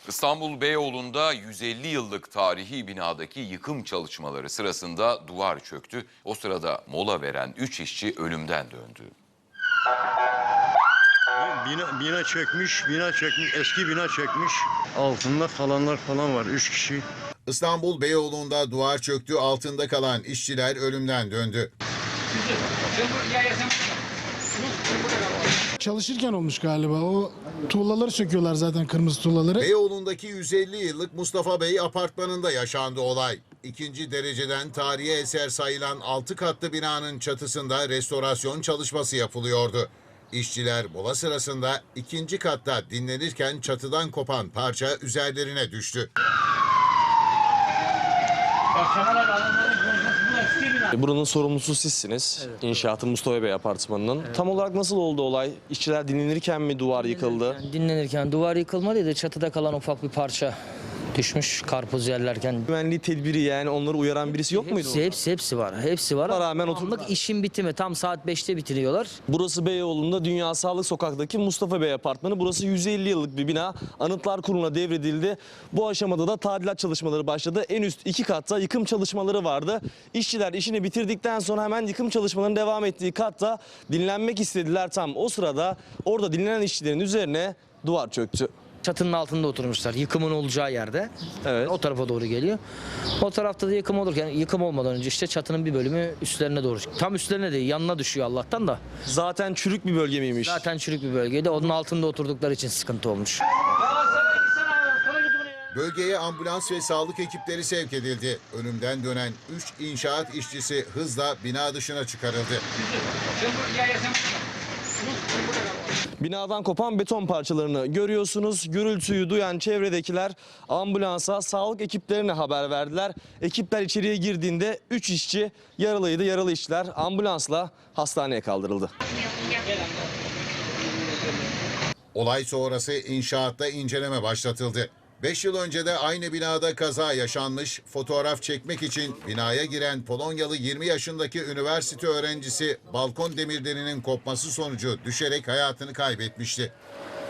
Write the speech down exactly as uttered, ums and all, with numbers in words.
İstanbul Beyoğlu'nda yüz elli yıllık tarihi binadaki yıkım çalışmaları sırasında duvar çöktü. O sırada mola veren üç işçi ölümden döndü. Bina, bina çökmüş, bina çökmüş, eski bina çökmüş. Altında kalanlar falan var, üç kişi. İstanbul Beyoğlu'nda duvar çöktü, altında kalan işçiler ölümden döndü. Çalışırken olmuş galiba. O tuğlaları söküyorlar zaten, kırmızı tuğlaları. Beyoğlu'ndaki yüz elli yıllık Mustafa Bey apartmanında yaşandı olay. İkinci dereceden tarihi eser sayılan altı katlı binanın çatısında restorasyon çalışması yapılıyordu. İşçiler mola sırasında ikinci katta dinlenirken çatıdan kopan parça üzerlerine düştü. Buranın sorumlusu sizsiniz. Evet. İnşaatı Mustafa Bey apartmanının. Evet. Tam olarak nasıl oldu olay? İşçiler dinlenirken mi duvar yıkıldı? Dinlenirken, dinlenirken duvar yıkılmadıydı. Çatıda kalan ufak bir parça düşmüş karpuz yerlerken. Güvenliği tedbiri, yani onları uyaran birisi yok muydu? Hepsi, hepsi, hepsi var. Hepsi var. Rağmen oturmak işin bitimi tam saat beşte bitiriyorlar. Burası Beyoğlu'nda Dünya Sağlık Sokak'taki Mustafa Bey apartmanı. Burası yüz elli yıllık bir bina. Anıtlar Kurulu'na devredildi. Bu aşamada da tadilat çalışmaları başladı. En üst iki katta yıkım çalışmaları vardı. İşçiler işini bitirdikten sonra hemen yıkım çalışmalarının devam ettiği katta dinlenmek istediler. Tam o sırada orada dinlenen işçilerin üzerine duvar çöktü. Çatının altında oturmuşlar, yıkımın olacağı yerde. Evet. O tarafa doğru geliyor. O tarafta da yıkım olurken, yıkım olmadan önce işte çatının bir bölümü üstlerine doğru. Tam üstlerine değil, yanına düşüyor Allah'tan da. Zaten çürük bir bölge miymiş? Zaten çürük bir bölgeydi. Onun altında oturdukları için sıkıntı olmuş. Bölgeye ambulans ve sağlık ekipleri sevk edildi. Ölümden dönen üç inşaat işçisi hızla bina dışına çıkarıldı. Binadan kopan beton parçalarını görüyorsunuz. Gürültüyü duyan çevredekiler ambulansa, sağlık ekiplerine haber verdiler. Ekipler içeriye girdiğinde üç işçi yaralıydı. Yaralı işçiler ambulansla hastaneye kaldırıldı. Olay sonrası inşaatta inceleme başlatıldı. beş yıl önce de aynı binada kaza yaşanmış, fotoğraf çekmek için binaya giren Polonyalı yirmi yaşındaki üniversite öğrencisi balkon demirlerinin kopması sonucu düşerek hayatını kaybetmişti.